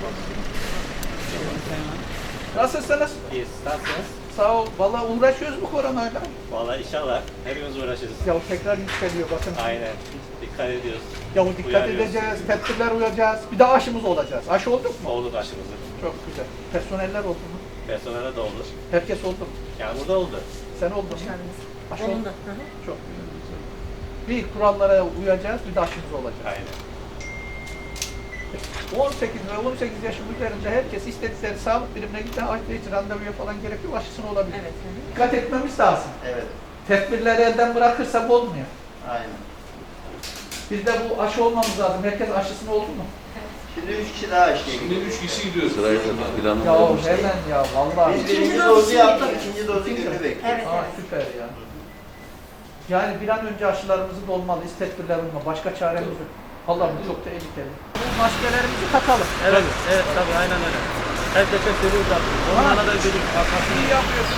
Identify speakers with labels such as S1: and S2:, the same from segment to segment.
S1: Nasılsınız?
S2: İyi, nasılsınız?
S1: Sağ ol. Vallahi uğraşıyoruz bu koronayla.
S2: Vallahi inşallah hepimiz uğraşırız.
S1: Ya tekrar yükseliyor bakın.
S2: Aynen. Dikkat ediyoruz.
S1: Ya dikkat
S2: Uyarıyoruz.
S1: edeceğiz, tedbirler uyacağız. Bir de aşımız olacağız. Aşı olduk mu?
S2: Olduk aşımızı.
S1: Çok güzel. Personeller oldu mu?
S2: Personele de olur.
S1: Herkes oldu mu?
S2: Yani burada oldu.
S1: Sen oldun mu? Aşı oldu.
S3: Olumlu.
S1: Çok güzel. Bir kurallara uyacağız, bir de aşımız olacak.
S2: Aynen.
S1: 18 ve 18 yaşın üzerinde herkes istedikleri sağlık birimine gittiğinde hiç randevuya falan gerek yok, aşısını olabilir.
S3: Evet.
S1: Dikkat etmemiz lazım.
S4: Evet,
S1: Tedbirleri elden bırakırsak olmuyor.
S4: aynen.
S1: Biz de bu aşı olmamız lazım. Herkes aşısını oldu mu?
S4: Şimdi 3 kişi daha aşıya
S5: Şimdi
S4: gidiyor.
S5: 3 kişi gidiyoruz.
S6: Sırayla planı
S1: Ya
S6: yapmışlar.
S1: hemen ya vallahi.
S4: Biz
S3: İkinci
S4: birinci
S3: dozu
S4: dozu
S3: şimdi
S4: yaptık,
S3: tabii.
S4: ikinci dozu
S1: İkinci.
S4: günü bekliyoruz.
S3: Evet.
S1: Aa, süper ya. Yani bir an önce aşılarımızı dolmalıyız, tedbirler olma. Başka çaremiz yok. Allah bu çok tehlikeli. Bu maskelerimizi takalım.
S2: Evet, evet tabii aynen öyle. Herkese söylüyoruz abi. Onlara da dedik.
S1: İyi yapıyorsun.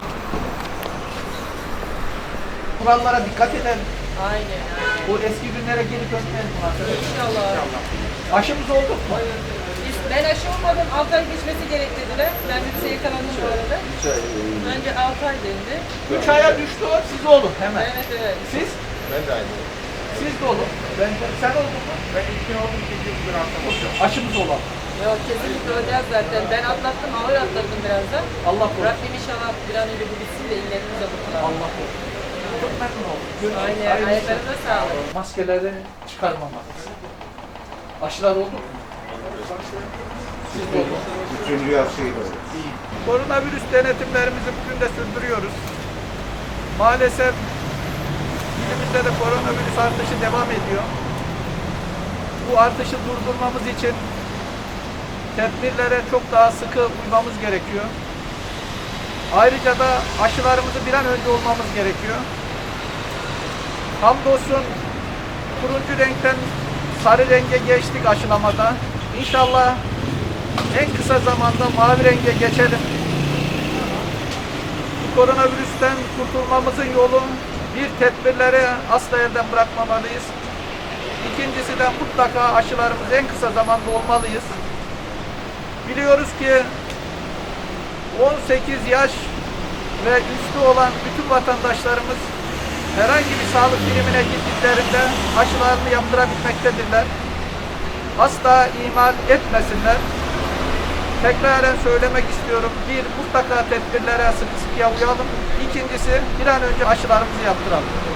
S1: Kurallara dikkat edelim.
S3: Aynen.
S1: Bu eski günlere geri dönmeyelim bu arkadaşlar.
S3: İnşallah.
S1: Aşımız oldu mu?
S3: Ben aşı olmadım. 6 ay geçmesi gerek dediler. Ben virüse yakalandım bu arada. Önce 6 ay dendi.
S1: 3 aya düştü o, siz olun hemen.
S3: Evet evet.
S1: Siz?
S5: Ben de aynı.
S1: Siz de olun. Sen oldun mu?
S5: Ben 2 oldum, 2 gün atlamışım.
S1: Aşımız olan.
S3: Yok kesinlikle olacağız zaten. Ben atlattım, ağır atlattım biraz da.
S1: Allah korusun.
S3: Rabbim inşallah bir an önce bu bitsin de illerimize kurtulalım.
S1: Allah korusun. Çok memnun oldum. Görüşürüz.
S3: Aynen.
S1: Hayırlısı.
S3: Ayaklarına sağlık.
S1: Maskeleri çıkarmamalıyız. Aşılar oldu mu? Siz de olun.
S4: Üçüncü aşıyı oldu.
S1: Koronavirüs denetimlerimizi bugün de sürdürüyoruz. Maalesef ilimizde de koronavirüs artışı devam ediyor. Bu artışı durdurmamız için tedbirlere çok daha sıkı uymamız gerekiyor. Ayrıca da aşılarımızı bir an önce olmamız gerekiyor. Hamdolsun turuncu renkten sarı renge geçtik aşılamada. İnşallah en kısa zamanda mavi renge geçelim. Bu koronavirüsten kurtulmamızın yolu bir, tedbirleri asla elden bırakmamalıyız. İkincisi de mutlaka aşılarımız en kısa zamanda olmalıyız. Biliyoruz ki 18 yaş ve üstü olan bütün vatandaşlarımız herhangi bir sağlık birimine gittiklerinde aşılarını yaptırabilmektedirler. Asla ihmal etmesinler. Tekraren söylemek istiyorum. Bir, mutlaka tedbirlere sıkı sıkıya uyalım. İkincisi, bir an önce aşılarımızı yaptıralım.